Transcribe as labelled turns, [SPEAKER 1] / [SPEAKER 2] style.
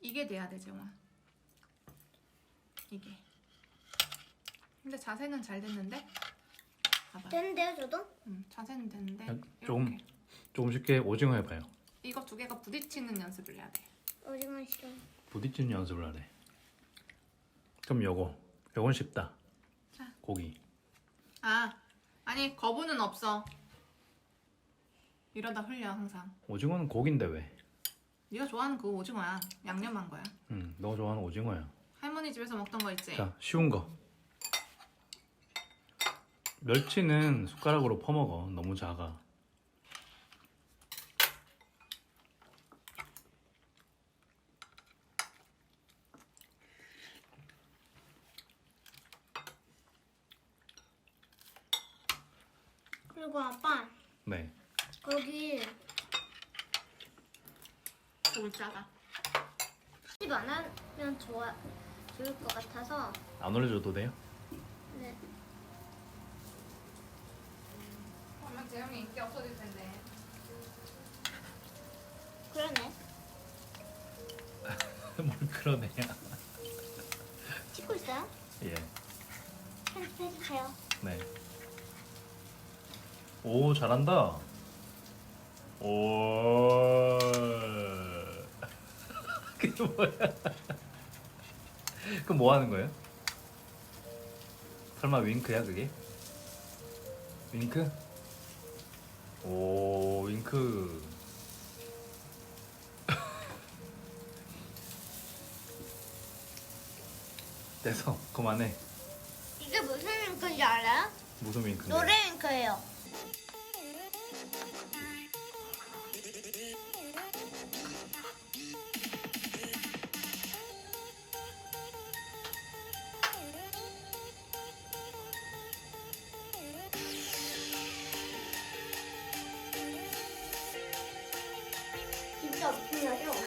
[SPEAKER 1] 이게 돼야 돼, 재영아. 이게. 근데 자세는 잘 됐는데? 봐봐.
[SPEAKER 2] 되는데요, 저도?
[SPEAKER 1] 자세는 됐는데.
[SPEAKER 3] 조금
[SPEAKER 1] 이렇게.
[SPEAKER 3] 조금 쉽게 오징어 해봐요.
[SPEAKER 1] 이거 두 개가 부딪히는 연습을 해야 돼.
[SPEAKER 2] 오징어 싫어.
[SPEAKER 3] 부딪히는 연습을 하래. 그럼 요건 쉽다.
[SPEAKER 1] 자.
[SPEAKER 3] 고기.
[SPEAKER 1] 아니 거부는 없어. 이러다 흘려 항상.
[SPEAKER 3] 오징어는 고기인데 왜?
[SPEAKER 1] 네가 좋아하는 그 오징어야. 양념한 거야.
[SPEAKER 3] 너 좋아하는 오징어야.
[SPEAKER 1] 할머니 집에서 먹던 거 있지?
[SPEAKER 3] 자, 쉬운 거. 멸치는 숟가락으로 퍼먹어. 너무 작아.
[SPEAKER 2] 그리고 아빠,
[SPEAKER 3] 네.
[SPEAKER 2] 거기
[SPEAKER 1] 울짜가.
[SPEAKER 2] 집 안 하면 좋을 것 같아서.
[SPEAKER 3] 안 올려줘도 돼요?
[SPEAKER 2] 네.
[SPEAKER 1] 그러면 재영이 인기 없어질 텐데.
[SPEAKER 2] 그러네.
[SPEAKER 3] 뭘 그러네요.
[SPEAKER 2] 찍고 있어요?
[SPEAKER 3] 예.
[SPEAKER 2] 편집해주세요.
[SPEAKER 3] 네. 오, 잘한다. 오. 그게 뭐야? 그럼 뭐 하는 거예요? 설마 윙크야, 그게? 윙크? 오, 윙크. 됐어, 그만해.
[SPEAKER 2] 이게 무슨 윙크인지 알아요?
[SPEAKER 3] 무슨 윙크인데?
[SPEAKER 2] 노래 윙크예요. 진짜 웃기냐죠?